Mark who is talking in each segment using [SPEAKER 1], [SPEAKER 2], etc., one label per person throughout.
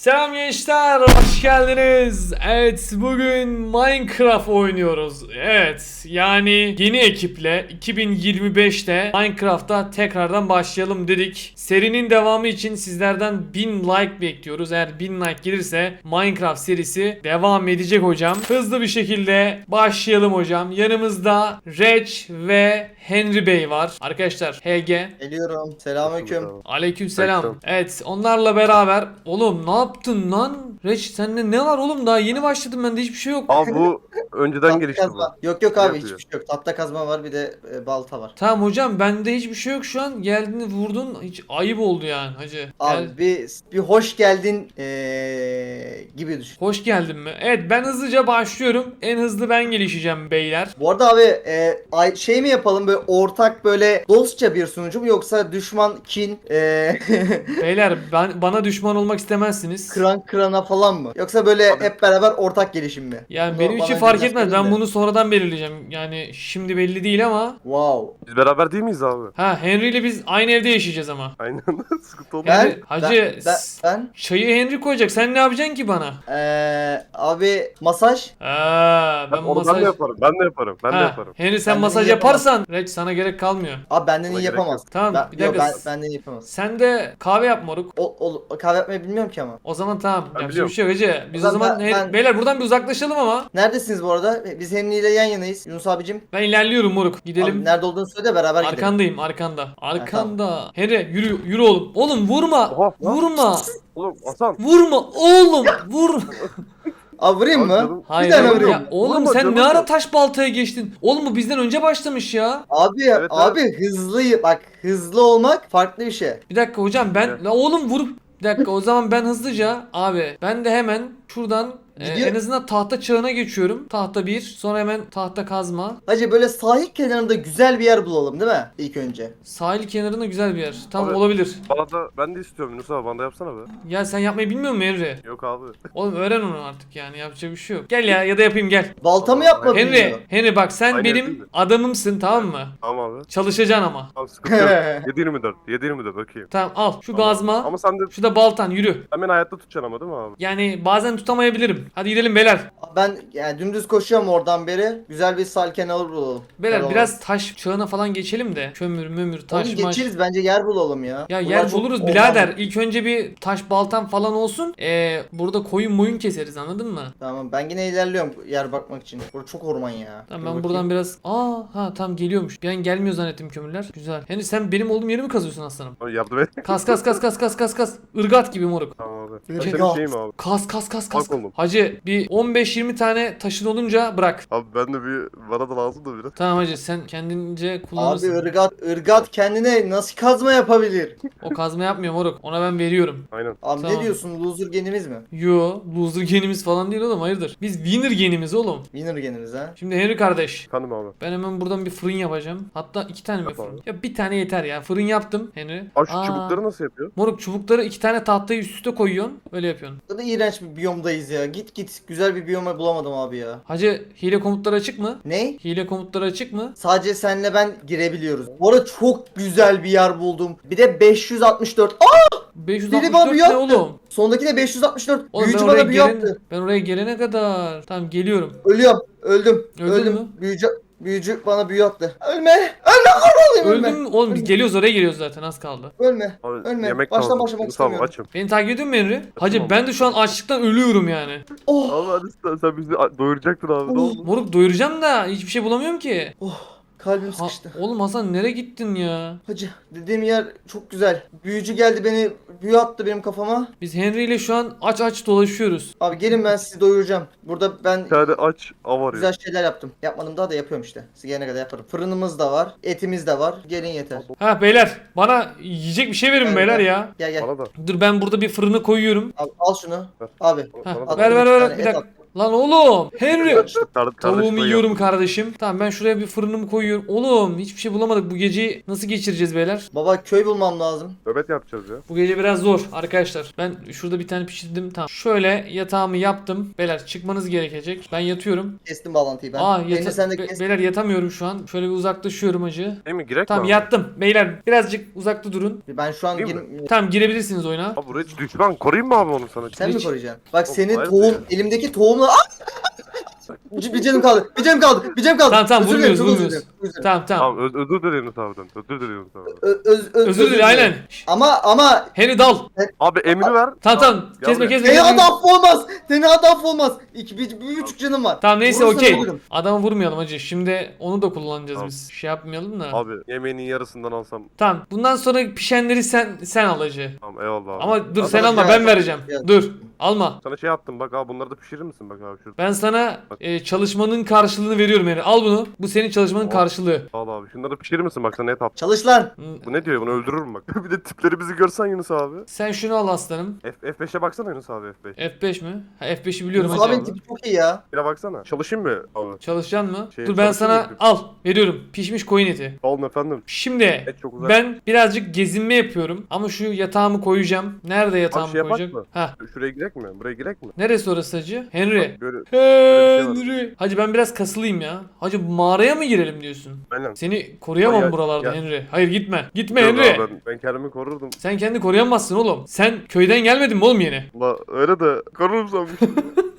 [SPEAKER 1] Selam gençler, hoş geldiniz. Evet, bugün Minecraft oynuyoruz. Evet, yani yeni ekiple 2025'te Minecraft'a tekrardan başlayalım dedik. Serinin devamı için sizlerden 1000 like bekliyoruz. Eğer 1000 like gelirse Minecraft serisi devam edecek hocam. Hızlı bir şekilde başlayalım hocam. Yanımızda Reç ve Henry Bey var. Arkadaşlar HG.
[SPEAKER 2] Geliyorum. Selamünaleyküm.
[SPEAKER 1] Aleykümselam. Evet, onlarla beraber oğlum ne yaptın lan? Reç sende ne var oğlum, daha yeni başladım ben de, hiçbir şey yok.
[SPEAKER 3] Abi bu önceden
[SPEAKER 2] Tahta
[SPEAKER 3] gelişti bu.
[SPEAKER 2] kazma. Yok
[SPEAKER 3] Ne
[SPEAKER 2] abi,
[SPEAKER 3] yapıyor?
[SPEAKER 2] hiçbir şey yok. Tahta kazma var, bir de balta var.
[SPEAKER 1] Tamam hocam, bende hiçbir şey yok şu an. Geldin vurdun, hiç ayıp oldu yani hacı. Gel.
[SPEAKER 2] Abi bir hoş geldin gibi düşün.
[SPEAKER 1] Hoş geldin mi? Evet, ben hızlıca başlıyorum. En hızlı ben gelişeceğim beyler.
[SPEAKER 2] Bu arada abi şey mi yapalım, böyle ortak, böyle dostça bir sunucu mu, yoksa düşman, kin,
[SPEAKER 1] Beyler bana düşman olmak istemezsiniz.
[SPEAKER 2] krana falan mı? Yoksa böyle hep beraber ortak gelişim mi?
[SPEAKER 1] Yani
[SPEAKER 2] Bunu
[SPEAKER 1] benim için
[SPEAKER 2] bana
[SPEAKER 1] fark
[SPEAKER 2] önceden
[SPEAKER 1] etmez.
[SPEAKER 2] söyleyin
[SPEAKER 1] Ben
[SPEAKER 2] de.
[SPEAKER 1] bunu sonradan belirleyeceğim. Yani şimdi belli değil ama.
[SPEAKER 2] Wow.
[SPEAKER 3] Biz beraber değil miyiz abi?
[SPEAKER 1] Ha, Henry ile biz aynı evde yaşayacağız ama.
[SPEAKER 3] Aynen. Sıkıntı oldu.
[SPEAKER 1] Yani
[SPEAKER 2] Ben,
[SPEAKER 1] hacı
[SPEAKER 2] ben
[SPEAKER 1] çayı Henry koyacak. Sen ne yapacaksın ki bana?
[SPEAKER 2] abi masaj.
[SPEAKER 1] Ben
[SPEAKER 3] Onu
[SPEAKER 1] masaj...
[SPEAKER 3] ben de yaparım. Ben de yaparım. Ben de
[SPEAKER 1] Ha,
[SPEAKER 3] yaparım.
[SPEAKER 1] Henry sen
[SPEAKER 2] Benden
[SPEAKER 1] masaj
[SPEAKER 2] iyi yapamaz.
[SPEAKER 1] yaparsan Reç sana gerek kalmıyor.
[SPEAKER 2] Abi benden
[SPEAKER 3] Ona
[SPEAKER 2] iyi
[SPEAKER 3] gerek
[SPEAKER 2] yapamaz.
[SPEAKER 1] Tamam, bir
[SPEAKER 2] Yok,
[SPEAKER 1] dakika.
[SPEAKER 2] benden iyi yapamaz.
[SPEAKER 1] Sen de kahve yap moruk.
[SPEAKER 2] Kahve yapmayı bilmiyorum ki ama.
[SPEAKER 1] O zaman tamam.
[SPEAKER 3] Ben
[SPEAKER 1] Yapacak bir
[SPEAKER 3] biliyorum.
[SPEAKER 1] şey yok hacı. Biz
[SPEAKER 2] O
[SPEAKER 1] o
[SPEAKER 2] zaman
[SPEAKER 1] zaman
[SPEAKER 2] ben-
[SPEAKER 1] beyler buradan bir uzaklaşalım ama.
[SPEAKER 2] Neredesiniz bu arada? Biz Henry ile yan yanayız. Yunus abicim.
[SPEAKER 1] Ben ilerliyorum moruk.
[SPEAKER 2] Abi
[SPEAKER 1] Gidelim.
[SPEAKER 2] nerede olduğunu söyle, beraber gidelim.
[SPEAKER 1] Arkandayım, arkanda. Arkanda. Henry yürü oğlum. Oğlum vurma.
[SPEAKER 3] Oha, lan.
[SPEAKER 1] Vurma.
[SPEAKER 3] Oğlum Hasan.
[SPEAKER 1] Vurma oğlum. Vur.
[SPEAKER 2] Abi vurayım
[SPEAKER 3] Abi
[SPEAKER 2] mı?
[SPEAKER 3] canım.
[SPEAKER 1] Hayır.
[SPEAKER 2] tane
[SPEAKER 1] oğlum
[SPEAKER 2] vurayım.
[SPEAKER 1] ya. Oğlum
[SPEAKER 3] Vurma
[SPEAKER 1] sen
[SPEAKER 3] canım
[SPEAKER 1] ne ara
[SPEAKER 3] ya.
[SPEAKER 1] taş baltaya geçtin? Oğlum bu bizden önce başlamış ya.
[SPEAKER 2] Abi
[SPEAKER 3] Evet,
[SPEAKER 2] abi hızlı bak, hızlı olmak farklı bir şey.
[SPEAKER 1] Bir dakika hocam ben
[SPEAKER 3] Evet.
[SPEAKER 1] la oğlum vurup bir dakika, o zaman ben hızlıca abi ben de hemen şuradan
[SPEAKER 2] Gidiyor.
[SPEAKER 1] en azından tahta çağına geçiyorum. Tahta 1, sonra hemen tahta kazma.
[SPEAKER 2] Hacı böyle sahil kenarında güzel bir yer bulalım, değil mi? İlk önce.
[SPEAKER 1] Sahil kenarında güzel bir yer. Tam
[SPEAKER 3] Abi-
[SPEAKER 1] olabilir.
[SPEAKER 3] Bana da ben de istiyorum Yunus abi. Bana da yapsana be.
[SPEAKER 1] Ya sen yapmayı bilmiyor musun Henry?
[SPEAKER 3] Yok abi.
[SPEAKER 1] Oğlum öğren onu artık, yani yapacak bir şey yok. Gel ya da yapayım gel.
[SPEAKER 2] Balta mı
[SPEAKER 3] Tamam,
[SPEAKER 2] yapmadın
[SPEAKER 1] Henry,
[SPEAKER 2] diyor.
[SPEAKER 1] Henry bak sen
[SPEAKER 3] Aynı değil
[SPEAKER 1] benim
[SPEAKER 3] mi?
[SPEAKER 1] adamımsın, tamam mı?
[SPEAKER 3] Tamam abi.
[SPEAKER 1] Çalışacaksın ama.
[SPEAKER 3] Tamam sıkıntı yok. 7-24. 7-24 bakayım.
[SPEAKER 1] Tamam al şu
[SPEAKER 3] Tamam.
[SPEAKER 1] gazma.
[SPEAKER 3] Ama sen de
[SPEAKER 1] Şu da baltan, yürü.
[SPEAKER 3] sen beni hayatta tutacaksın ama değil mi abi?
[SPEAKER 1] Yani bazen tutamayabilirim. Hadi gidelim beyler.
[SPEAKER 2] Ben yani dümdüz koşuyorum oradan beri. Güzel bir sahil kenarı bulalım.
[SPEAKER 1] Beyler
[SPEAKER 2] Tamam.
[SPEAKER 1] biraz taş çağına falan geçelim de. Kömür, mömür, taş,
[SPEAKER 2] Oğlum
[SPEAKER 1] maş.
[SPEAKER 2] geçeriz, bence yer bulalım ya.
[SPEAKER 1] Ya
[SPEAKER 2] Bunlar
[SPEAKER 1] yer
[SPEAKER 2] çok
[SPEAKER 1] buluruz
[SPEAKER 2] orman.
[SPEAKER 1] birader. İlk önce bir taş baltam falan olsun. Burada koyun moyun keseriz, anladın mı?
[SPEAKER 2] Tamam, ben yine ilerliyorum yer bakmak için. Burası çok orman ya.
[SPEAKER 1] Tamam,
[SPEAKER 2] Dur
[SPEAKER 1] ben
[SPEAKER 2] bakayım.
[SPEAKER 1] buradan biraz... Tam geliyormuş. Bir an gelmiyor zannettim kömürler. Güzel. Yani sen benim olduğum yeri mi kazıyorsun aslanım?
[SPEAKER 3] Abi yardım et.
[SPEAKER 1] Kas kas kas kas kas kas kas. Irgat gibi moruk.
[SPEAKER 3] Tamam abi. Ben
[SPEAKER 2] Irgat.
[SPEAKER 3] senin şeyim abi.
[SPEAKER 1] Kas kas kas kas.
[SPEAKER 3] Bak oğlum.
[SPEAKER 1] Hacı bir 15-20 tane taşın olunca bırak.
[SPEAKER 3] Abi ben de bana da lazım da biraz.
[SPEAKER 1] Tamam hacı, sen kendince
[SPEAKER 2] Abi
[SPEAKER 1] kullanırsın.
[SPEAKER 2] ırgat kendine nasıl kazma yapabilir?
[SPEAKER 1] O kazma yapmıyor moruk. Ona ben veriyorum.
[SPEAKER 3] Aynen.
[SPEAKER 2] Abi
[SPEAKER 1] Tamam.
[SPEAKER 2] ne diyorsun, loser genimiz mi?
[SPEAKER 1] Yo, loser genimiz falan değil oğlum, hayırdır. Biz winner genimiz oğlum.
[SPEAKER 2] Winner genimiz ha.
[SPEAKER 1] Şimdi Henry kardeş,
[SPEAKER 3] Efendim abi.
[SPEAKER 1] ben hemen buradan bir fırın yapacağım. Hatta 2 tane mi
[SPEAKER 3] Yap
[SPEAKER 1] fırın?
[SPEAKER 3] abi.
[SPEAKER 1] Ya bir tane yeter ya. Fırın yaptım Henry.
[SPEAKER 3] Abi şu çubukları nasıl yapıyor?
[SPEAKER 1] Moruk, çubukları 2 tane tahtayı üst üste koyuyorsun. Öyle yapıyorsun.
[SPEAKER 2] Bu da iğrenç bir biyomdayız ya. Git. Güzel bir biyoma bulamadım abi ya.
[SPEAKER 1] Hacı hile komutları açık mı?
[SPEAKER 2] Ne?
[SPEAKER 1] Hile komutları açık mı?
[SPEAKER 2] Sadece senle ben girebiliyoruz. Bu arada çok güzel bir yer buldum. Bir de 564. Aa! Biri bana
[SPEAKER 1] 564
[SPEAKER 2] büyü
[SPEAKER 1] ne
[SPEAKER 2] attı.
[SPEAKER 1] oğlum?
[SPEAKER 2] Sondaki de 564.
[SPEAKER 1] Oğlum
[SPEAKER 2] Büyücü
[SPEAKER 1] ben oraya,
[SPEAKER 2] bana büyü attı.
[SPEAKER 1] ben oraya gelene kadar. Tamam geliyorum.
[SPEAKER 2] Ölüyorum. Öldüm.
[SPEAKER 1] Öldün mü?
[SPEAKER 2] Büyücü bana büyü attı. Ölme. Ölme kurbanıyım,
[SPEAKER 1] Öldün mü? Oğlum biz
[SPEAKER 2] Ölme.
[SPEAKER 1] geliyoruz, oraya geliyoruz zaten, az kaldı.
[SPEAKER 2] Ölme.
[SPEAKER 3] Abi
[SPEAKER 2] Ölme.
[SPEAKER 3] yemek
[SPEAKER 2] Baştan
[SPEAKER 3] lazım.
[SPEAKER 2] başlamak
[SPEAKER 3] Yunus abi
[SPEAKER 2] istemiyorum.
[SPEAKER 3] açım.
[SPEAKER 1] Beni takip ediyor musun Henry? Hacı
[SPEAKER 3] Tamam.
[SPEAKER 1] ben de şu an açlıktan ölüyorum yani.
[SPEAKER 2] Oh.
[SPEAKER 3] Abi hadi sen bizi doyuracaktın abi ne oldu?
[SPEAKER 1] Moruk doyuracağım da hiçbir şey bulamıyorum ki.
[SPEAKER 2] Kalbim
[SPEAKER 1] Ha,
[SPEAKER 2] sıkıştı.
[SPEAKER 1] oğlum Hasan nereye gittin ya?
[SPEAKER 2] Hacı dediğim yer çok güzel. Büyücü geldi, beni büyü attı benim kafama.
[SPEAKER 1] Biz Henry ile şu an aç dolaşıyoruz.
[SPEAKER 2] Abi gelin, ben sizi doyuracağım. Burada ben
[SPEAKER 3] Bir tane aç av arıyor.
[SPEAKER 2] güzel şeyler yaptım. Yapmadım daha da yapıyorum işte. Siz gelene kadar yaparım. Fırınımız da var. Etimiz de var. Gelin yeter.
[SPEAKER 1] Ha beyler, bana yiyecek bir şey verin
[SPEAKER 2] Evet,
[SPEAKER 1] beyler
[SPEAKER 2] evet.
[SPEAKER 1] ya.
[SPEAKER 2] Gel.
[SPEAKER 3] Bana da.
[SPEAKER 1] Dur ben burada bir fırını koyuyorum.
[SPEAKER 2] Al şunu.
[SPEAKER 3] Ver.
[SPEAKER 2] Abi.
[SPEAKER 1] Ha,
[SPEAKER 3] Bana da.
[SPEAKER 1] ver
[SPEAKER 2] Bir
[SPEAKER 1] ver
[SPEAKER 2] tane
[SPEAKER 1] bir
[SPEAKER 2] et
[SPEAKER 1] dakika.
[SPEAKER 2] at.
[SPEAKER 1] Lan oğlum. Henry. Tavuğumu
[SPEAKER 3] Kardeşime
[SPEAKER 1] yiyorum kardeşim. Tamam ben şuraya bir fırınımı koyuyorum. Oğlum hiçbir şey bulamadık. Bu geceyi nasıl geçireceğiz beyler?
[SPEAKER 2] Baba köy bulmam lazım.
[SPEAKER 3] nöbet yapacağız ya.
[SPEAKER 1] Bu gece biraz zor arkadaşlar. Ben şurada bir tane pişirdim. Tamam. Şöyle yatağımı yaptım. Beyler çıkmanız gerekecek. Ben yatıyorum.
[SPEAKER 2] Kestim bağlantıyı ben.
[SPEAKER 1] Aa
[SPEAKER 2] Beni sen de kes.
[SPEAKER 1] beyler yatamıyorum şu an. Şöyle bir uzaklaşıyorum acı.
[SPEAKER 3] Değil mi? Girek
[SPEAKER 1] Tamam
[SPEAKER 3] mi abi?
[SPEAKER 1] yattım. Beyler birazcık uzakta durun.
[SPEAKER 2] Ben şu an
[SPEAKER 3] Değil mi?
[SPEAKER 1] Tamam girebilirsiniz oyuna.
[SPEAKER 3] Abi buraya hiç düşman koruyayım mı abi onu sana?
[SPEAKER 2] Sen mi
[SPEAKER 1] Hiç-
[SPEAKER 2] koruyacaksın? Bak
[SPEAKER 3] Yok,
[SPEAKER 2] senin
[SPEAKER 3] hayır
[SPEAKER 2] tohum,
[SPEAKER 3] ya.
[SPEAKER 2] elimdeki tohumla... Bir canım kaldı. Bir canım kaldı. Bir canım kaldı.
[SPEAKER 1] Tamam tamam
[SPEAKER 2] Özür dilerim,
[SPEAKER 1] vurmuyoruz
[SPEAKER 2] çok özür
[SPEAKER 1] vurmuyoruz.
[SPEAKER 2] dilerim, özür dilerim.
[SPEAKER 1] Tamam tamam.
[SPEAKER 3] Tamam özür dilerim Yunus Özür dilerim Yunus abi.
[SPEAKER 1] Özür dilerim aynen.
[SPEAKER 2] Ama
[SPEAKER 1] Henry dal.
[SPEAKER 3] Abi emri ver.
[SPEAKER 1] Tamam tamam.
[SPEAKER 3] Gel
[SPEAKER 1] Kesme
[SPEAKER 3] buraya.
[SPEAKER 1] kesme.
[SPEAKER 2] seni
[SPEAKER 1] kesme.
[SPEAKER 2] adam olmaz. Seni adam olmaz. Bir buçuk canım var.
[SPEAKER 1] Tamam neyse
[SPEAKER 2] Vurursan
[SPEAKER 1] okey.
[SPEAKER 2] ölürüm.
[SPEAKER 1] Adamı vurmayalım hacı. Şimdi onu da kullanacağız
[SPEAKER 3] Tamam.
[SPEAKER 1] biz. Şey yapmayalım da.
[SPEAKER 3] Abi yemeğinin yarısından alsam.
[SPEAKER 1] Tamam. Bundan sonra pişenleri sen al hacı.
[SPEAKER 3] Tamam eyvallah abi.
[SPEAKER 1] Ama dur
[SPEAKER 2] Ama
[SPEAKER 1] sen
[SPEAKER 2] bana
[SPEAKER 1] alma
[SPEAKER 2] şey
[SPEAKER 1] ben
[SPEAKER 2] yap-
[SPEAKER 1] vereceğim.
[SPEAKER 2] yap.
[SPEAKER 1] Dur. Alma.
[SPEAKER 3] Sana şey yaptım bak abi bunları da pişirir misin bak abi şurada.
[SPEAKER 1] Ben sana çalışmanın karşılığını veriyorum yani. Al bunu. Bu senin çalışmanın
[SPEAKER 3] Oh.
[SPEAKER 1] karşılığı.
[SPEAKER 3] Sağ ol abi. Şunları da pişirir misin bak sana et at.
[SPEAKER 2] Çalış lan.
[SPEAKER 1] Hı.
[SPEAKER 3] Bu ne diyor bunu öldürürüm bak. Bir de tipleri bizi görsen Yunus abi.
[SPEAKER 1] Sen şunu al aslanım.
[SPEAKER 3] F5'e baksana Yunus abi F5.
[SPEAKER 1] F5 mi? Ha, F5'i biliyorum
[SPEAKER 2] Yunus
[SPEAKER 1] hacı.
[SPEAKER 2] abinin tipi çok iyi ya.
[SPEAKER 3] Bir de baksana. Çalışayım mı abi?
[SPEAKER 1] Çalışacaksın mı?
[SPEAKER 3] Şey,
[SPEAKER 1] Dur ben sana
[SPEAKER 3] çalışayım mı?
[SPEAKER 1] al. Veriyorum. Pişmiş koyun eti.
[SPEAKER 3] Sağ olun efendim.
[SPEAKER 1] Şimdi
[SPEAKER 3] Et çok güzel.
[SPEAKER 1] ben birazcık gezinme yapıyorum. Ama şu yatağımı koyacağım. Nerede yatağımı
[SPEAKER 3] şey yapak
[SPEAKER 1] koyacağım?
[SPEAKER 3] mı?
[SPEAKER 1] Ha.
[SPEAKER 3] Şuraya girek mi? Buraya girek mi?
[SPEAKER 1] Neresi orası hacı? Henry.
[SPEAKER 3] Böyle bir şey var.
[SPEAKER 1] Henry. Hacı ben biraz kasılıyım ya. Hacı mağaraya mı girelim diyorsun?
[SPEAKER 3] aynen.
[SPEAKER 1] Seni koruyamam
[SPEAKER 3] Ya-
[SPEAKER 1] buralarda
[SPEAKER 3] ya-
[SPEAKER 1] Henry. Hayır gitme. Gitme
[SPEAKER 3] Yok
[SPEAKER 1] Henry.
[SPEAKER 3] abi, ben kendimi korurdum.
[SPEAKER 1] Sen kendi koruyamazsın oğlum. Sen köyden gelmedin mi oğlum yeni?
[SPEAKER 3] Ula öyle de korurum sanmıştım.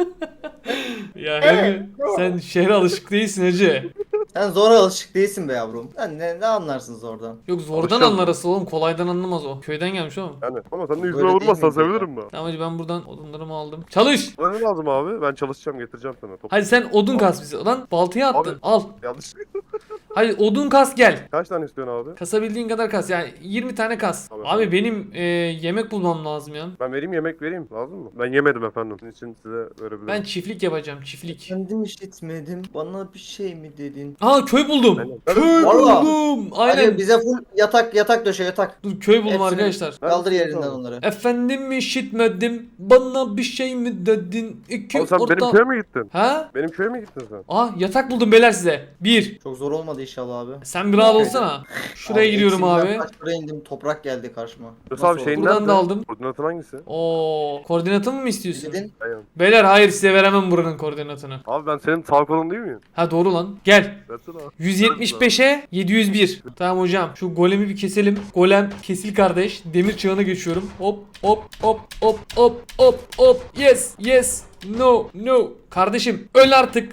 [SPEAKER 1] Ya Henry sen şehre alışık değilsin hacı.
[SPEAKER 2] Sen zora alışık değilsin be yavrum. Sen ne anlarsın zordan?
[SPEAKER 1] Yok zordan
[SPEAKER 3] Alışacağım.
[SPEAKER 1] anlar asıl oğlum. Kolaydan anlamaz o. Köyden gelmiş oğlum.
[SPEAKER 3] yani ama sen de
[SPEAKER 2] Böyle
[SPEAKER 3] yüzüme
[SPEAKER 2] değil
[SPEAKER 3] vurmazsan
[SPEAKER 2] miydi ya?
[SPEAKER 3] sevinirim ben.
[SPEAKER 1] Tamam hacı ben buradan odunlarımı aldım. Çalış.
[SPEAKER 3] Bana ne lazım abi? Ben çalışacağım getireceğim sana. Top.
[SPEAKER 1] Hadi sen odun kas bize. Lan baltayı attın.
[SPEAKER 3] Abi.
[SPEAKER 1] Al.
[SPEAKER 3] Yanlış.
[SPEAKER 1] Hadi odun kas gel.
[SPEAKER 3] Kaç tane istiyorsun abi?
[SPEAKER 1] Kasabildiğin kadar kas. Yani 20 tane kas.
[SPEAKER 3] Tamam.
[SPEAKER 1] Abi benim yemek bulmam lazım ya.
[SPEAKER 3] Ben vereyim yemek vereyim. Lazım mı? Ben yemedim efendim. Sizin için size verebilirim.
[SPEAKER 1] Ben çiftlik yapacağım. Çiftlik.
[SPEAKER 2] Kendim işitmedim. Bana bir şey mi dedin?
[SPEAKER 1] Aa köy buldum.
[SPEAKER 3] Aynen.
[SPEAKER 1] Köy
[SPEAKER 2] Vallahi.
[SPEAKER 1] buldum.
[SPEAKER 2] Hadi
[SPEAKER 1] Aynen.
[SPEAKER 2] bize full yatak döşe yatak.
[SPEAKER 1] Dur köy buldum
[SPEAKER 2] Hepsini-
[SPEAKER 1] arkadaşlar.
[SPEAKER 2] Kaldır
[SPEAKER 3] Neredesin
[SPEAKER 2] yerinden
[SPEAKER 3] abi?
[SPEAKER 2] onları.
[SPEAKER 1] Efendim işitmedim. Bana bir şey mi dedin? İki
[SPEAKER 3] Abi sen
[SPEAKER 1] orta.
[SPEAKER 3] benim köye mi gittin?
[SPEAKER 1] Ha?
[SPEAKER 3] Benim köye mi gittin sen?
[SPEAKER 1] Aa yatak buldum beyler size. Bir.
[SPEAKER 2] Çok zor olmadı inşallah abi.
[SPEAKER 1] Sen bir rahat olsana. Şuraya giriyorum
[SPEAKER 2] eksimden
[SPEAKER 1] abi.
[SPEAKER 2] kaç şuraya indim toprak geldi karşıma.
[SPEAKER 3] Yunus
[SPEAKER 2] Nasıl
[SPEAKER 3] abi
[SPEAKER 2] oldu?
[SPEAKER 3] şeyin
[SPEAKER 1] Buradan
[SPEAKER 3] nerede?
[SPEAKER 1] da aldım.
[SPEAKER 3] Koordinatın hangisi?
[SPEAKER 1] Oo, koordinatımı mı istiyorsun?
[SPEAKER 2] Dedin.
[SPEAKER 3] Aynen.
[SPEAKER 1] Beyler hayır size veremem buranın koordinatını.
[SPEAKER 3] Abi ben senin sağ kolun değil miyim?
[SPEAKER 1] Ha doğru lan. Gel.
[SPEAKER 3] Versene abi.
[SPEAKER 1] 175'e 701. Tamam hocam. Şu golemi bir keselim. Golem kesil kardeş. Demir çağına geçiyorum. Hop hop hop hop hop hop hop. Yes yes. No no. Kardeşim öl artık.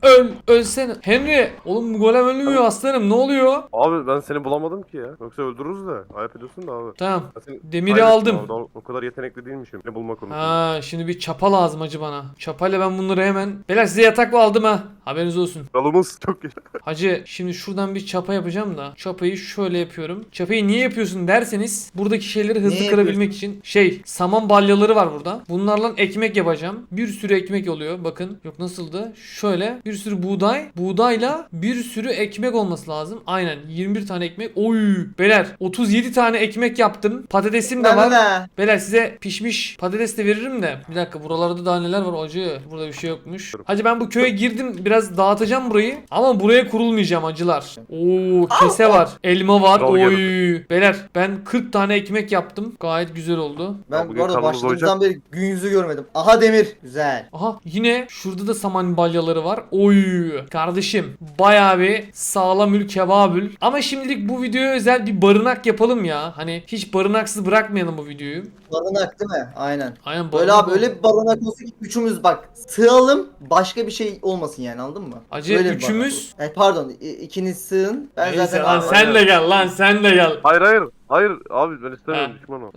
[SPEAKER 1] Ölsene. Henry. Oğlum bu golem ölmüyor aslanım. Ne oluyor?
[SPEAKER 3] Abi ben seni bulamadım ki ya. Yoksa öldürürüz de. Ayıp ediyorsun da abi.
[SPEAKER 1] Tamam.
[SPEAKER 3] Ben seni
[SPEAKER 1] Demiri
[SPEAKER 3] kaybettim
[SPEAKER 1] aldım.
[SPEAKER 3] abi. O kadar yetenekli değilmişim. Ne bulma konusunda.
[SPEAKER 1] Ha şimdi bir çapa lazım hacı bana. Çapayla ben bunları hemen. Beyler size yatak aldım ha. Haberiniz olsun.
[SPEAKER 3] Kralımız çok iyi.
[SPEAKER 1] Hacı şimdi şuradan bir çapa yapacağım da. Çapayı şöyle yapıyorum. Çapayı niye yapıyorsun derseniz buradaki şeyleri hızlı
[SPEAKER 2] Niye
[SPEAKER 1] kırabilmek için. Saman balyaları var burada. Bunlarla ekmek yapacağım. Bir sürü ekmek oluyor. Bakın. Yok nasıldı? Şöyle bir sürü buğday. Buğdayla bir sürü ekmek olması lazım. Aynen 21 tane ekmek. Oy. Beyler 37 tane ekmek yaptım. Patatesim de var.
[SPEAKER 2] Ne?
[SPEAKER 1] Beyler size pişmiş patates de veririm de. Bir dakika buralarda daha neler var acı. Burada bir şey yokmuş. Hacı ben bu köye girdim. Biraz dağıtacağım burayı. Ama buraya kurulmayacağım acılar. Oo kese var. Elma var.
[SPEAKER 3] Kral
[SPEAKER 1] Oy.
[SPEAKER 3] geldi.
[SPEAKER 1] Beyler ben 40 tane ekmek yaptım. Gayet güzel oldu.
[SPEAKER 2] Ben
[SPEAKER 3] bugün
[SPEAKER 2] bu arada
[SPEAKER 3] karnımız
[SPEAKER 2] başladığımızdan beri gün yüzü görmedim. Aha demir. Güzel.
[SPEAKER 1] Aha yine şurada da saman balyaları var. Oy. Kardeşim bayağı bir sağlamül kebabül. Ama şimdilik bu videoya özel bir barınak yapalım ya. Hani hiç barınaksız bırakmayalım bu videoyu.
[SPEAKER 2] Barınak değil mi? Aynen.
[SPEAKER 1] Aynen
[SPEAKER 2] Böyle
[SPEAKER 1] barınak
[SPEAKER 2] abi öyle bir barınak olsa ki üçümüz bak sığalım başka bir şey olmasın yani anladın mı?
[SPEAKER 1] Acı
[SPEAKER 2] Öyle bir
[SPEAKER 1] üçümüz-
[SPEAKER 2] barınak. Pardon ikiniz sığın. Ben
[SPEAKER 1] Neyse
[SPEAKER 2] zaten
[SPEAKER 1] lan sen de gel lan sen de gel.
[SPEAKER 3] Hayır abi ben istemiyorum
[SPEAKER 1] Ha.
[SPEAKER 3] düşman o.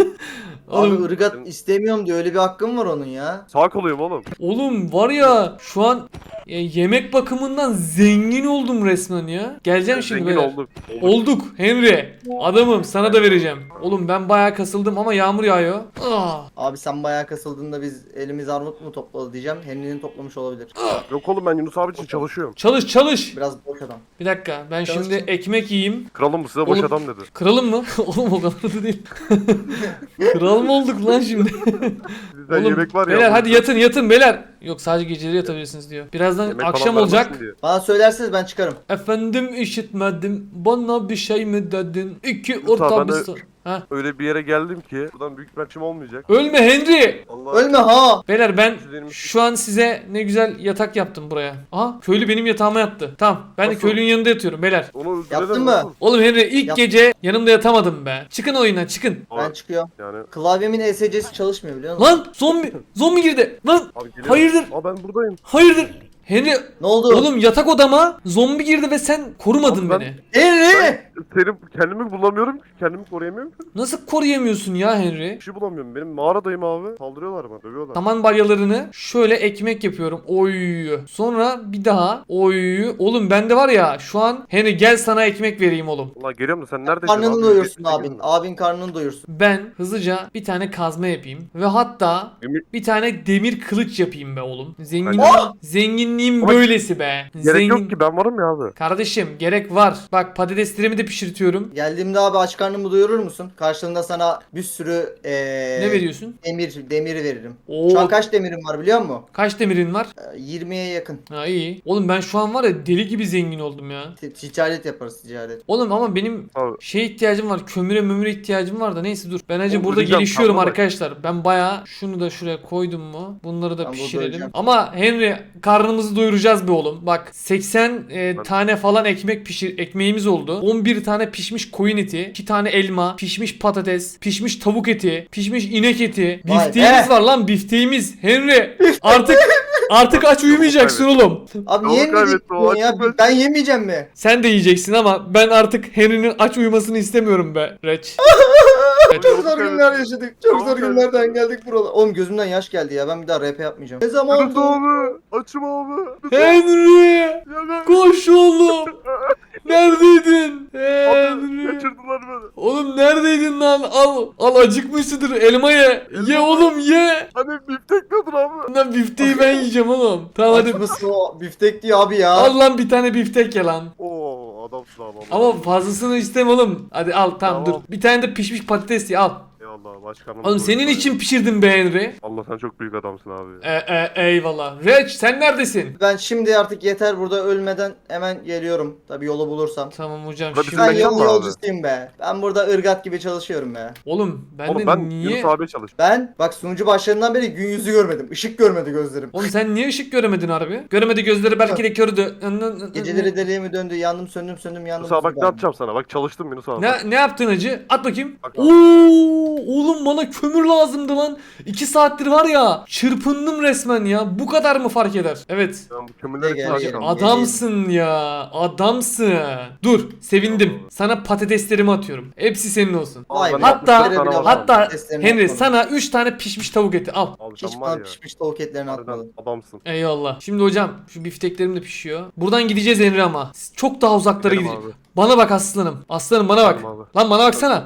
[SPEAKER 2] Abi
[SPEAKER 1] Oğlum,
[SPEAKER 2] ırgat istemiyorum diye öyle bir hakkım var onun ya.
[SPEAKER 3] Sağ koluyum oğlum.
[SPEAKER 1] oğlum var ya şu an yemek bakımından zengin oldum resmen ya. Geleceğim şimdi
[SPEAKER 3] Zengin
[SPEAKER 1] beyler.
[SPEAKER 3] olduk.
[SPEAKER 1] Olduk Henry. Adamım sana da vereceğim. Oğlum ben bayağı kasıldım ama yağmur yağıyor. Ah.
[SPEAKER 2] Abi sen bayağı kasıldığında biz elimiz armut mu topladı diyeceğim. Henry'nin toplamış olabilir.
[SPEAKER 3] Yok oğlum ben Yunus abi için çalışıyorum.
[SPEAKER 1] Çalış çalış.
[SPEAKER 2] Biraz boş adam.
[SPEAKER 1] Bir dakika ben
[SPEAKER 2] Çalış.
[SPEAKER 1] şimdi ekmek yiyeyim.
[SPEAKER 3] Kralım bu size boş
[SPEAKER 1] Oğlum-
[SPEAKER 3] adam dedi.
[SPEAKER 1] Kralım mı? Oğlum o kadar da değil. Kral mı olduk lan şimdi?
[SPEAKER 3] Sizden yemek var ya.
[SPEAKER 1] beyler
[SPEAKER 3] bu
[SPEAKER 1] hadi
[SPEAKER 3] yüzden
[SPEAKER 1] yatın beyler. Yok sadece geceleri yatabilirsiniz diyor. Birazdan
[SPEAKER 3] yemek
[SPEAKER 1] akşam
[SPEAKER 3] falan
[SPEAKER 1] olacak.
[SPEAKER 3] vermesin diye.
[SPEAKER 2] Bana söylerseniz ben çıkarım.
[SPEAKER 1] Efendim işitmedim. Bana bir şey mi dedin? İki
[SPEAKER 3] Yusuf
[SPEAKER 1] orta
[SPEAKER 3] abi,
[SPEAKER 1] bir
[SPEAKER 3] ben de-
[SPEAKER 1] so- Ha?
[SPEAKER 3] Öyle bir yere geldim ki buradan büyük bir akşam olmayacak.
[SPEAKER 1] Ölme Henry.
[SPEAKER 3] Allah.
[SPEAKER 2] Ölme ha.
[SPEAKER 1] Beyler ben
[SPEAKER 3] Üzerimiz-
[SPEAKER 1] şu an size ne güzel yatak yaptım buraya. Aha köylü benim yatağıma yattı. Tamam ben de
[SPEAKER 3] Nasıl?
[SPEAKER 1] köylünün yanında yatıyorum beyler.
[SPEAKER 3] Onu öldürelim
[SPEAKER 2] Yaptın mı?
[SPEAKER 3] nasıl?
[SPEAKER 1] Oğlum Henry ilk
[SPEAKER 2] Yap.
[SPEAKER 1] gece yanımda yatamadım be. Çıkın oyuna çıkın.
[SPEAKER 2] Ben
[SPEAKER 3] Abi,
[SPEAKER 2] çıkıyorum.
[SPEAKER 3] yani
[SPEAKER 2] Klavyemin ESC'si çalışmıyor biliyor musun?
[SPEAKER 1] Lan zombi girdi. Lan
[SPEAKER 3] abi geliyorum.
[SPEAKER 1] hayırdır?
[SPEAKER 3] Aa ben buradayım.
[SPEAKER 1] Hayırdır? Henry
[SPEAKER 2] Ne oldu?
[SPEAKER 1] oğlum yatak odama zombi girdi ve sen korumadın
[SPEAKER 3] Abi ben-
[SPEAKER 1] beni.
[SPEAKER 2] Henry!
[SPEAKER 3] Kendimi bulamıyorum ki. Kendimi koruyamıyorum ki.
[SPEAKER 1] Nasıl koruyamıyorsun ya Henry?
[SPEAKER 3] Bir şey bulamıyorum. Benim mağaradayım abi. Saldırıyorlar bana. Dövüyorlar.
[SPEAKER 1] Saman balyalarını şöyle ekmek yapıyorum. Oy. Sonra bir daha. Oy. Oğlum bende var ya şu an Henry gel sana ekmek vereyim oğlum.
[SPEAKER 3] Valla geliyorum da sen neredesin
[SPEAKER 2] Karnını
[SPEAKER 3] abi?
[SPEAKER 2] doyursun
[SPEAKER 3] Geçti,
[SPEAKER 2] abin.
[SPEAKER 3] gelin.
[SPEAKER 2] Abin karnını doyursun.
[SPEAKER 1] Ben hızlıca bir tane kazma yapayım ve hatta
[SPEAKER 3] Demir-
[SPEAKER 1] bir tane demir kılıç yapayım be oğlum.
[SPEAKER 3] Oh!
[SPEAKER 1] Zenginliğim
[SPEAKER 3] Ama
[SPEAKER 1] böylesi be.
[SPEAKER 3] Gerek yok ki ben varım ya abi.
[SPEAKER 1] Kardeşim gerek var. Bak patateslerimi de pişirtiyorum.
[SPEAKER 2] Geldiğimde abi aç karnımı doyurur musun? Karşılığında sana bir sürü
[SPEAKER 1] Ne veriyorsun?
[SPEAKER 2] demir veririm.
[SPEAKER 1] Oo,
[SPEAKER 2] Şu an kaç demirim var biliyor musun?
[SPEAKER 1] kaç demirin var?
[SPEAKER 2] 20'ye yakın.
[SPEAKER 1] Ha iyi. Oğlum ben şu an var ya deli gibi zengin oldum ya.
[SPEAKER 2] Ticaret yaparız ticaret.
[SPEAKER 1] Oğlum ama benim
[SPEAKER 3] Abi.
[SPEAKER 1] şey ihtiyacım var. Kömüre ihtiyacım var da neyse dur. Ben acı
[SPEAKER 3] Oğlum,
[SPEAKER 1] burada
[SPEAKER 3] öleceğim,
[SPEAKER 1] gelişiyorum
[SPEAKER 3] kalma bak.
[SPEAKER 1] arkadaşlar. Ben baya şunu da şuraya koydum mu? Bunları da
[SPEAKER 2] Ben burada
[SPEAKER 1] pişirelim.
[SPEAKER 2] öleceğim.
[SPEAKER 1] Ama Henry karnımızı doyuracağız be oğlum. Bak 80 tane falan ekmeğimiz oldu. 11 tane pişmiş koyun eti, 2 tane elma, pişmiş patates, pişmiş tavuk eti, pişmiş inek eti.
[SPEAKER 2] Vay
[SPEAKER 1] Bifteğimiz
[SPEAKER 2] be.
[SPEAKER 1] var lan bifteğimiz. Henry artık aç uyumayacaksın oğlum.
[SPEAKER 2] Abi
[SPEAKER 3] Çabuk
[SPEAKER 2] niye
[SPEAKER 3] kaybettim, o
[SPEAKER 2] yemeyeceksin ya?
[SPEAKER 3] açık ben-
[SPEAKER 2] Ben yemeyeceğim mi?
[SPEAKER 1] Sen de yiyeceksin ama ben artık Henry'nin aç uyumasını istemiyorum be Reç.
[SPEAKER 2] Çok zor günler yaşadık. Çok
[SPEAKER 3] Çok
[SPEAKER 2] zor
[SPEAKER 3] zor.
[SPEAKER 2] günlerden geldik buralara. Oğlum gözümden yaş geldi ya. Ben bir daha rap yapmayacağım. Ne zaman
[SPEAKER 3] Yunus abi. Açım abi.
[SPEAKER 1] Henry!
[SPEAKER 3] Ya ben-
[SPEAKER 1] Koş oğlum! Neredeydin?
[SPEAKER 3] Abi
[SPEAKER 1] Henry!
[SPEAKER 3] kaçırdılar beni.
[SPEAKER 1] Oğlum neredeydin lan? Al acıkmışsındır elma ye. Ye oğlum ye.
[SPEAKER 3] Hani biftek nedir abi?
[SPEAKER 1] Lan bifteği ben yiyeceğim oğlum. Tamam hadi.
[SPEAKER 2] Açması o biftek diyor abi ya.
[SPEAKER 1] Al lan bir tane biftek ye lan.
[SPEAKER 3] Oo adamsın abi.
[SPEAKER 1] Ama fazlasını istem oğlum. Hadi al tamam
[SPEAKER 3] Tamam.
[SPEAKER 1] dur. Bir tane de pişmiş patates ye al.
[SPEAKER 3] Eyvallah başkanım.
[SPEAKER 1] Oğlum senin için pişirdim be Henry.
[SPEAKER 3] Allah sen çok büyük adamsın abi.
[SPEAKER 1] Eyvallah. Reç sen neredesin?
[SPEAKER 2] Ben şimdi artık yeter burada ölmeden hemen geliyorum. Tabi yolu bulursam.
[SPEAKER 1] Tamam hocam
[SPEAKER 3] Burada
[SPEAKER 1] şimdi.
[SPEAKER 3] bizim
[SPEAKER 2] Ben
[SPEAKER 3] mekan
[SPEAKER 2] yol
[SPEAKER 3] mı abi?
[SPEAKER 2] yolcusuyum be. Ben burada ırgat gibi çalışıyorum be.
[SPEAKER 1] Oğlum ben
[SPEAKER 3] Oğlum
[SPEAKER 1] de
[SPEAKER 3] ben
[SPEAKER 1] niye?
[SPEAKER 3] Yunus abi çalış.
[SPEAKER 2] Ben bak sunucu başlarından beri gün yüzü görmedim. Işık görmedi gözlerim.
[SPEAKER 1] Oğlum sen niye ışık göremedin harbi? Göremedi gözleri belki de kördü.
[SPEAKER 2] Geceleri deliğimi döndü. Yandım söndüm yandım.
[SPEAKER 3] Yunus abi bak ne yapacağım sana. Bak çalıştım Yunus abi.
[SPEAKER 1] Ne yaptın hacı? At bakayım.
[SPEAKER 3] Bak.
[SPEAKER 1] Oo, oğlum bana kömür lazımdı lan. 2 saattir var ya çırpındım resmen ya. Bu kadar mı fark eder? Evet.
[SPEAKER 3] Ben bu kömürleri
[SPEAKER 2] Gel,
[SPEAKER 3] kim
[SPEAKER 2] gel,
[SPEAKER 3] açacağım?
[SPEAKER 2] gel.
[SPEAKER 1] Adamsın ya. Adamsın. Dur, sevindim. Sana patateslerimi atıyorum. Hepsi senin olsun.
[SPEAKER 2] Vay be.
[SPEAKER 1] Hatta-
[SPEAKER 2] Böyle bile var.
[SPEAKER 1] Hatta
[SPEAKER 2] Patateslerini
[SPEAKER 1] Henry
[SPEAKER 2] atmadım.
[SPEAKER 1] sana 3 tane pişmiş tavuk eti al.
[SPEAKER 3] Abi
[SPEAKER 2] Hiç
[SPEAKER 3] sen var
[SPEAKER 2] bana
[SPEAKER 3] ya.
[SPEAKER 2] pişmiş tavuk etlerini
[SPEAKER 3] Harbiden
[SPEAKER 2] atmadın.
[SPEAKER 3] adamsın.
[SPEAKER 1] Eyvallah. Şimdi hocam şu bifteklerim de pişiyor. Buradan gideceğiz Henry ama. Çok daha uzaklara
[SPEAKER 3] Gidelim
[SPEAKER 1] gideceğiz.
[SPEAKER 3] abi.
[SPEAKER 1] Bana bak aslanım. Aslanım bana bak.
[SPEAKER 3] Tamam abi.
[SPEAKER 1] Lan bana baksana.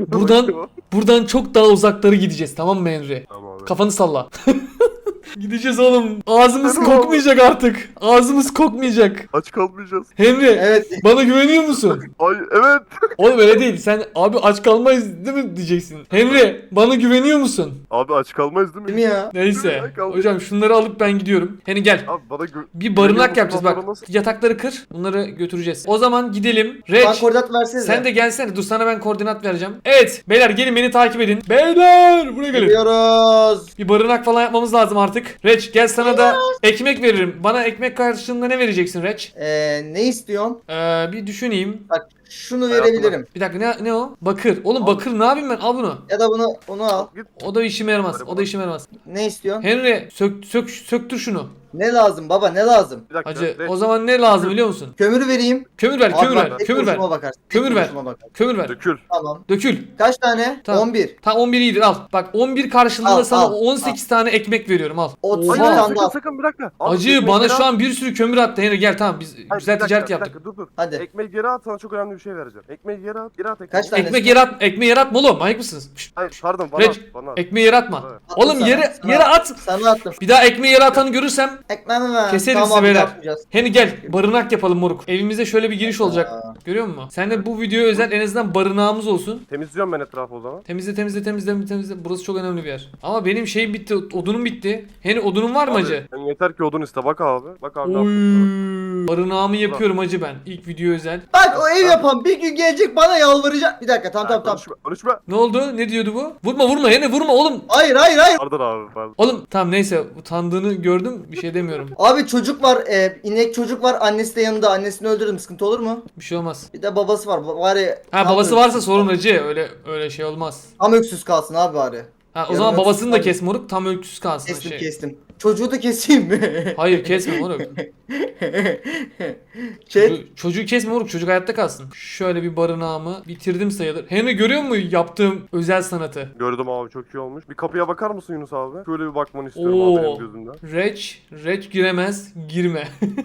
[SPEAKER 1] Buradan çok daha uzaklara gideceğiz tamam mı Henry?
[SPEAKER 3] Tamam abi.
[SPEAKER 1] Kafanı salla. Gideceğiz oğlum. Ağzımız
[SPEAKER 3] Tamam.
[SPEAKER 1] kokmayacak artık. Ağzımız kokmayacak.
[SPEAKER 3] Aç kalmayacağız.
[SPEAKER 1] Henry
[SPEAKER 2] Evet.
[SPEAKER 1] bana güveniyor musun?
[SPEAKER 3] Ay evet.
[SPEAKER 1] Oğlum öyle değil. Sen abi aç kalmayız değil mi diyeceksin. Henry bana güveniyor musun?
[SPEAKER 3] Abi aç kalmayız değil mi?
[SPEAKER 2] Değil mi ya?
[SPEAKER 1] Neyse.
[SPEAKER 3] Ya, kalmayız.
[SPEAKER 1] Hocam şunları alıp ben gidiyorum. Henry gel.
[SPEAKER 3] Abi bana
[SPEAKER 1] Bir barınak
[SPEAKER 3] güveniyor
[SPEAKER 1] yapacağız
[SPEAKER 3] musun?
[SPEAKER 1] bak.
[SPEAKER 3] Nasıl?
[SPEAKER 1] Yatakları kır. Bunları götüreceğiz. O zaman gidelim.
[SPEAKER 2] Bana
[SPEAKER 1] Reç.
[SPEAKER 2] koordinat versenize.
[SPEAKER 1] Sen de gelsene. Dur sana ben koordinat vereceğim. Evet. Beyler gelin beni takip edin. Beyler buraya gelin.
[SPEAKER 2] Gidiyoruz.
[SPEAKER 1] Bir barınak falan yapmamız lazım artık. Reç gel sana da ekmek veririm. Bana ekmek karşılığında ne vereceksin Reç?
[SPEAKER 2] Ne istiyorsun?
[SPEAKER 1] Bir düşüneyim.
[SPEAKER 2] Bak şunu
[SPEAKER 3] Hayatım
[SPEAKER 2] verebilirim.
[SPEAKER 1] Bir dakika ne o? Bakır. Oğlum bakır ne yapayım ben? Al bunu.
[SPEAKER 2] Ya da onu al.
[SPEAKER 3] Git.
[SPEAKER 1] O da işime yaramaz. O da işime yaramaz.
[SPEAKER 2] Ne istiyorsun?
[SPEAKER 1] Henry söktür şunu.
[SPEAKER 2] Ne lazım baba ne lazım?
[SPEAKER 3] Bir dakika.
[SPEAKER 1] Hacı
[SPEAKER 3] Reç.
[SPEAKER 1] o zaman ne lazım biliyor musun?
[SPEAKER 2] Kömürü vereyim.
[SPEAKER 1] Kömür ver,
[SPEAKER 2] Abi
[SPEAKER 1] kömür
[SPEAKER 2] bak,
[SPEAKER 1] ver,
[SPEAKER 2] tek
[SPEAKER 1] kömür ver.
[SPEAKER 2] kuruşuma bakarsın. Tek
[SPEAKER 1] Kömür ver.
[SPEAKER 2] kuruşuma bakarsın.
[SPEAKER 1] Kömür ver.
[SPEAKER 3] Dökül.
[SPEAKER 2] Tamam.
[SPEAKER 1] Dökül.
[SPEAKER 2] Kaç tane?
[SPEAKER 1] Tamam.
[SPEAKER 2] 11.
[SPEAKER 1] Tam 11 iyidir al. Bak 11 karşılığında
[SPEAKER 2] Al,
[SPEAKER 1] sana
[SPEAKER 2] al,
[SPEAKER 1] 18 tane ekmek veriyorum al.
[SPEAKER 2] Otuz
[SPEAKER 3] Hayır
[SPEAKER 2] bir
[SPEAKER 1] Oha.
[SPEAKER 2] tane
[SPEAKER 3] sakın
[SPEAKER 2] daha.
[SPEAKER 3] sakın bir dakika. Abi,
[SPEAKER 1] Acı
[SPEAKER 3] ekmeği
[SPEAKER 1] bana
[SPEAKER 3] geri
[SPEAKER 1] şu
[SPEAKER 3] at.
[SPEAKER 1] an bir sürü kömür attı Henry gel tamam biz
[SPEAKER 3] Hayır,
[SPEAKER 1] güzel
[SPEAKER 3] bir dakika,
[SPEAKER 1] ticaret
[SPEAKER 3] bir
[SPEAKER 1] yaptık.
[SPEAKER 3] dakika, dur.
[SPEAKER 2] Hadi.
[SPEAKER 3] Ekmeği geri at sana çok önemli bir şey vereceğim. Ekmeği geri at. Geri at ekmeği.
[SPEAKER 2] Kaç tane?
[SPEAKER 1] Ekmeği yaratma oğlum manyak mısınız? Şşt,
[SPEAKER 3] Hayır pardon bana
[SPEAKER 1] Reç,
[SPEAKER 3] at. Bana at.
[SPEAKER 1] Ekmeği yaratma.
[SPEAKER 3] Evet.
[SPEAKER 1] Oğlum
[SPEAKER 2] Attım
[SPEAKER 1] yere
[SPEAKER 2] sana.
[SPEAKER 1] at.
[SPEAKER 2] Sana attım.
[SPEAKER 1] Bir daha ekmeği yere atanı görürsem
[SPEAKER 2] Ekmeğimi ver.
[SPEAKER 1] Keseriz
[SPEAKER 2] Tamam abi,
[SPEAKER 1] beyler.
[SPEAKER 2] yapmayacağız.
[SPEAKER 1] Henry gel barınak yapalım moruk. Evimize şöyle bir giriş olacak.
[SPEAKER 2] Aa.
[SPEAKER 1] Görüyor musun? Sen de bu videoya özel en azından barınağımız olsun.
[SPEAKER 3] Temizliyorum ben etrafı o zaman.
[SPEAKER 1] Temizle temizle temizle temizle. Burası çok önemli bir yer. Ama benim şeyim bitti. Odunum bitti. Henry odunun var mı
[SPEAKER 3] Abi,
[SPEAKER 1] acı?
[SPEAKER 3] sen yeter ki odun iste bak abi. Bak abi ne
[SPEAKER 1] Oy.
[SPEAKER 3] yapıyorsun?
[SPEAKER 1] Barınağımı yapıyorum hacı ben. İlk video özel.
[SPEAKER 2] Bak o ev yapan bir gün gelecek bana yalvaracak. Bir dakika tamam.
[SPEAKER 3] Konuşma.
[SPEAKER 1] Ne oldu? Ne diyordu bu? Vurma Henry vurma oğlum.
[SPEAKER 2] Hayır.
[SPEAKER 3] Pardon abi pardon.
[SPEAKER 1] Oğlum tamam neyse utandığını gördüm. Bir şey demiyorum.
[SPEAKER 2] Abi çocuk var, inek çocuk var, annesi de yanında. Annesini öldürdüm, sıkıntı olur mu?
[SPEAKER 1] Bir şey olmaz.
[SPEAKER 2] Bir de babası var, bari
[SPEAKER 1] Ha babası varsa sorun acı. Öyle şey olmaz.
[SPEAKER 2] tam öksüz kalsın abi bari.
[SPEAKER 1] Ha o
[SPEAKER 2] Yarın
[SPEAKER 1] zaman babasını da
[SPEAKER 2] öksüz
[SPEAKER 1] kes moruk. Tam öksüz kalsın.
[SPEAKER 2] Kestim. Çocuğu da keseyim mi?
[SPEAKER 1] Hayır kesme moruk.
[SPEAKER 2] Şey,
[SPEAKER 1] Çocuğu kesme moruk. Çocuk hayatta kalsın. Şöyle bir barınağımı bitirdim sayılır. Henry görüyor musun yaptığım özel sanatı?
[SPEAKER 3] Gördüm abi çok iyi olmuş. Bir kapıya bakar mısın Yunus abi? Şöyle bir bakmanı istiyorum
[SPEAKER 1] Oo.
[SPEAKER 3] abi benim gözümden.
[SPEAKER 1] Reç giremez. Girme.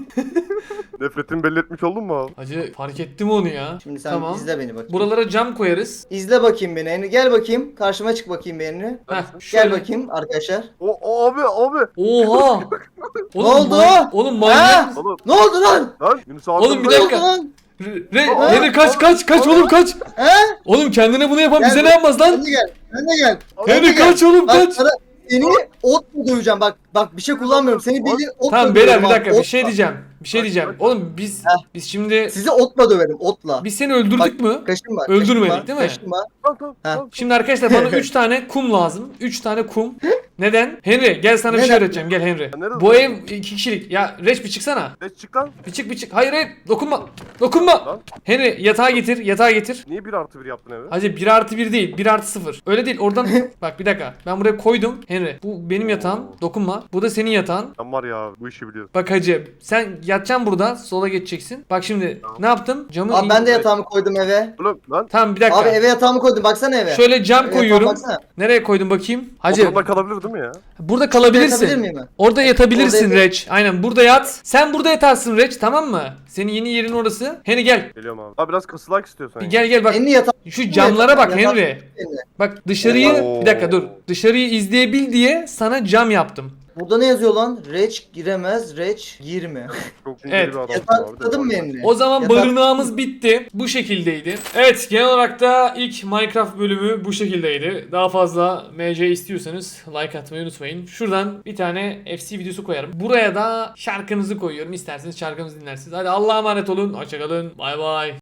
[SPEAKER 3] Nefretimi belli etmiş oldun mu abi?
[SPEAKER 1] Hacı fark ettim onu ya.
[SPEAKER 2] şimdi sen
[SPEAKER 1] Tamam.
[SPEAKER 2] izle beni bakayım.
[SPEAKER 1] Buralara cam koyarız.
[SPEAKER 2] İzle bakayım beni Henry. Gel bakayım. Karşıma çık bakayım beni.
[SPEAKER 1] Heh,
[SPEAKER 2] Gel
[SPEAKER 1] şöyle.
[SPEAKER 2] bakayım arkadaşlar.
[SPEAKER 3] O abi.
[SPEAKER 1] Oha. Oğlum,
[SPEAKER 2] oldu?
[SPEAKER 1] Oğlum
[SPEAKER 2] Ha?
[SPEAKER 1] manyak.
[SPEAKER 3] Oğlum
[SPEAKER 2] Ne oldu lan?
[SPEAKER 3] lan Yunus abi.
[SPEAKER 1] Oğlum, bir
[SPEAKER 2] Ne oldu
[SPEAKER 1] dakika.
[SPEAKER 2] lan?
[SPEAKER 1] Henry kaç oğlum kaç.
[SPEAKER 2] He?
[SPEAKER 1] Oğlum kendine bunu yapan
[SPEAKER 2] Gel
[SPEAKER 1] bize
[SPEAKER 2] bak.
[SPEAKER 1] ne yapmaz lan?
[SPEAKER 2] Sen de gel. Sen de gel.
[SPEAKER 1] Henry
[SPEAKER 2] Sen de gel.
[SPEAKER 1] kaç oğlum
[SPEAKER 2] Bak
[SPEAKER 1] kaç.
[SPEAKER 2] sana seni otla döveceğim. Bak bir şey kullanmıyorum. Seni bildiğin otla
[SPEAKER 1] Tamam beyler bir
[SPEAKER 2] dövüyorum
[SPEAKER 1] dakika
[SPEAKER 2] abi,
[SPEAKER 1] bir şey
[SPEAKER 2] otla.
[SPEAKER 1] diyeceğim. Bir şey
[SPEAKER 3] Bak,
[SPEAKER 1] diyeceğim.
[SPEAKER 3] bak.
[SPEAKER 1] Oğlum biz şimdi
[SPEAKER 2] Sizi otla döverim otla.
[SPEAKER 1] biz seni öldürdük mü?
[SPEAKER 2] Kaşınma.
[SPEAKER 1] Öldürmedik,
[SPEAKER 2] kaşınma,
[SPEAKER 1] değil mi?
[SPEAKER 2] Kaşınma.
[SPEAKER 3] Tamam.
[SPEAKER 1] Şimdi arkadaşlar bana 3 tane kum lazım. 3 tane kum. Neden? Henry gel sana bir şey
[SPEAKER 2] Neden?
[SPEAKER 1] öğreteceğim. Gel Henry.
[SPEAKER 3] Nerede
[SPEAKER 1] Bu
[SPEAKER 3] lan?
[SPEAKER 1] ev 2 kişilik. Ya Reç bir çıksana.
[SPEAKER 3] Geç çık lan.
[SPEAKER 1] Bir çık. Hayır dokunma.
[SPEAKER 3] Lan.
[SPEAKER 1] Henry yatağı getir.
[SPEAKER 3] Niye 1+1 yaptın evi?
[SPEAKER 1] Hacı 1+1 değil 1+0. Öyle değil oradan bak bir dakika. Ben buraya koydum. Henry bu benim yatağım. Dokunma. Bu da senin yatağın.
[SPEAKER 3] Sen var ya bu işi biliyorsun.
[SPEAKER 1] Bak hacı sen yatacaksın burada. Sola geçeceksin. Bak şimdi ne yaptım? Camı
[SPEAKER 2] Abi ben de yatağımı koydum eve.
[SPEAKER 3] Oğlum lan.
[SPEAKER 1] Tamam bir dakika.
[SPEAKER 2] Abi eve yatağımı koydum. Baksana eve.
[SPEAKER 1] Şöyle cam
[SPEAKER 2] Eve
[SPEAKER 1] koyuyorum.
[SPEAKER 2] yatağıma baksana.
[SPEAKER 1] Nereye koydum bakayım? Hacı
[SPEAKER 3] Oturumda kalabilir değil mi ya?
[SPEAKER 1] burada
[SPEAKER 2] Yatabilir
[SPEAKER 1] kalabilirsin.
[SPEAKER 2] miyim ben?
[SPEAKER 1] Orada yatabilirsin
[SPEAKER 2] Orada yat-
[SPEAKER 1] Reç. Aynen burada yat. Sen burada yatarsın Reç tamam mı? Senin yeni yerin orası. Henry gel.
[SPEAKER 3] Geliyorum abi. Abi biraz kısılak istiyorsan.
[SPEAKER 1] Bir gel bak.
[SPEAKER 2] Enli yatağı.
[SPEAKER 1] Şu camlara bak
[SPEAKER 2] Yatak-
[SPEAKER 1] Henry. Bak dışarıyı
[SPEAKER 3] Oo.
[SPEAKER 1] bir dakika dur. Dışarıyı izleyebil diye sana cam yaptım.
[SPEAKER 2] Burada ne yazıyor lan? Reç giremez, reç girme.
[SPEAKER 3] Çok
[SPEAKER 1] Evet.
[SPEAKER 3] bir adamsın
[SPEAKER 2] Yatağı
[SPEAKER 3] abi de.
[SPEAKER 2] tıkladın mı Enli?
[SPEAKER 1] O zaman
[SPEAKER 2] Yatak-
[SPEAKER 1] barınağımız bitti. Bu şekildeydi. Evet genel olarak da ilk Minecraft bölümü bu şekildeydi. Daha fazla MC istiyorsanız like atmayı unutmayın. Şuradan bir tane FC videosu koyarım. Buraya da şarkınızı koyuyorum. İsterseniz şarkımızı dinlersiniz. Hadi Allah'a emanet olun. Hoşçakalın. Bay bay.